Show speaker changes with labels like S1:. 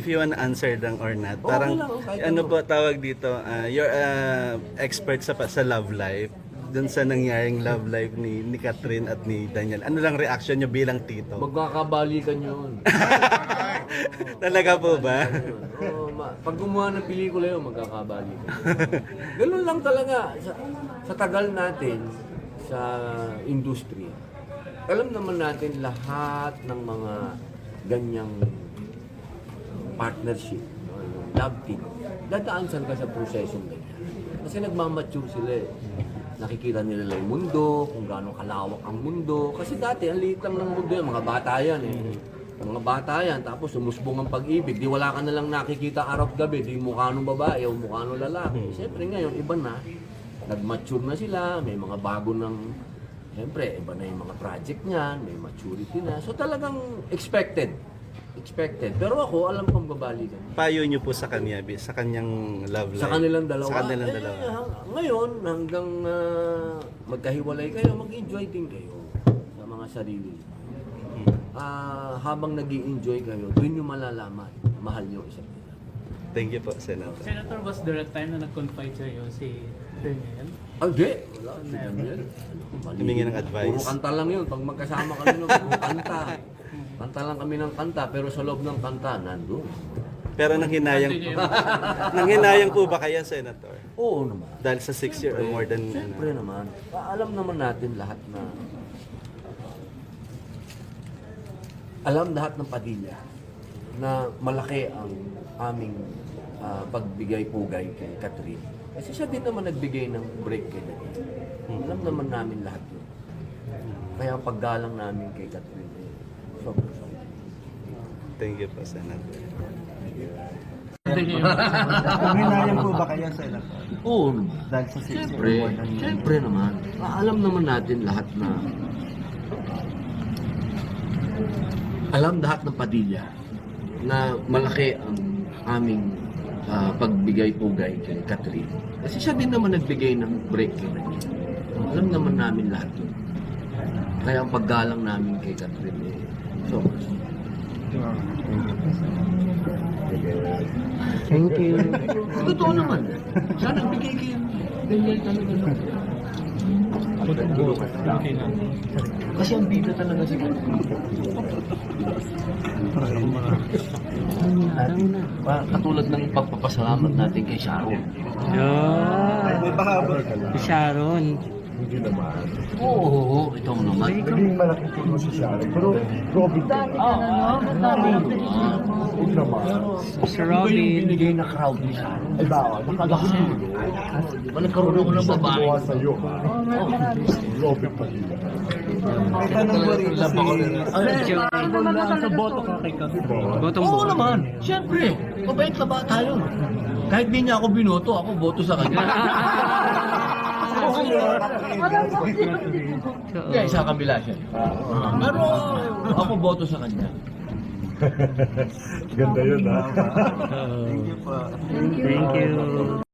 S1: you wanna answer lang or not.
S2: Okay
S1: Parang,
S2: lang, kahit
S1: ano
S2: ano.
S1: po tawag dito, you're expert sa love life. Dun sa nangyaring love life ni Catherine at ni Daniel. Ano lang reaction nyo bilang tito?
S2: Magkakabalikan yun.
S1: Talaga po ba?
S2: Pag gumawa ng pelikula yun, magkakabalikan. Ganun lang talaga. Sa tagal natin, sa industry, alam naman natin lahat ng mga ganyang partnership, no, yung love team, dadaan saan ka sa prosesong ganyan. Kasi nagmamature sila eh. Nakikita nila yung mundo, kung gaano kalawak ang mundo. Kasi dati, ang liit lang ng mundo yan, mga bata yan eh. Mga bata yan, tapos umusbong ang pag-ibig. Di wala ka na lang nakikita araw-gabi, di mukha nung babae o mukha nung lalaki. Siyempre ngayon, iba na. Nag-mature na sila, may mga bago ng... Siyempre, iba na yung mga project niyan, may maturity na. So talagang expected. Pero ako, alam kong babalikan.
S1: Payo nyo po sa kanya, sa kanyang love life.
S2: Sa kanilang dalawa.
S1: Sa kanilang dalawa.
S2: Ngayon, hanggang magkahiwalay kayo, mag-enjoy din kayo sa mga sarili. Habang nag-i-enjoy kayo, doon nyo malalaman, mahal nyo isa't isa.
S1: Thank you po, Senator.
S3: Senator, was there a time na nag-confide sa'yo si Daniel?
S2: Hindi. Wala.
S3: Never.
S1: Humingi ng advice.
S2: Puro kanta lang yun. Pag magkasama kami ng puro kanta. Kanta lang kami ng kanta, pero sa loob ng kanta, nandun.
S1: Pero nanghinayang po ba kaya, Senator?
S2: Oo naman.
S1: Dahil sa 6 year or more than...
S2: Siyempre naman. Alam naman natin lahat na... Alam lahat ng Padilla na malaki ang aming pagbigay-pugay kay Catherine. Kasi siya din naman nagbigay ng break kay Daniel. Alam naman namin lahat yun. Kaya ang paggalang namin kay Catherine, sobrang.
S1: Thank you po, Senator.
S4: Panghinayang po ba kayo, Senator?
S2: Oo naman.
S4: Dahil sa 6
S2: Siyempre, siyempre naman. Alam naman natin lahat na alam lahat ng Padilla na malaki ang aming pagbigay-pugay kay Catherine. Kasi siya din naman nagbigay ng break kay Daniel. Alam naman namin lahat yun. Kaya ang paggalang namin kay Catherine, sobrang.
S4: Thank you.
S2: Totoo naman. Siya nagbigay kay Daniel talaga. Kasi ang bida talaga si Catherine. Katulad ng pagpapasalamat natin kay Sharon.
S4: May bahaba.
S5: Sharon.
S2: Oo, ito naman.
S6: Naging malaking tulong si Sharon. Pero Robin, huwag naman.
S5: Sir
S2: Ano ba yung
S5: Robin.
S2: binigay na crowd ni Sharon?
S6: Ay ba, nakagasin.
S2: Di ba nagkaroon ako ng babae?
S6: Gumawa sa'yo, ha? Robin Padilla.
S4: May tanong po rin
S3: Sa boto ka kay Catherine.
S5: Botong
S2: Oo naman. Siyempre. Mabait na ba tayo? Kahit di niya ako binoto, ako boto sa kanya. Kaya sa kabila siya. Pero ako boto sa kanya.
S6: Ganda yun, ha?
S4: Thank you po.
S5: Thank you.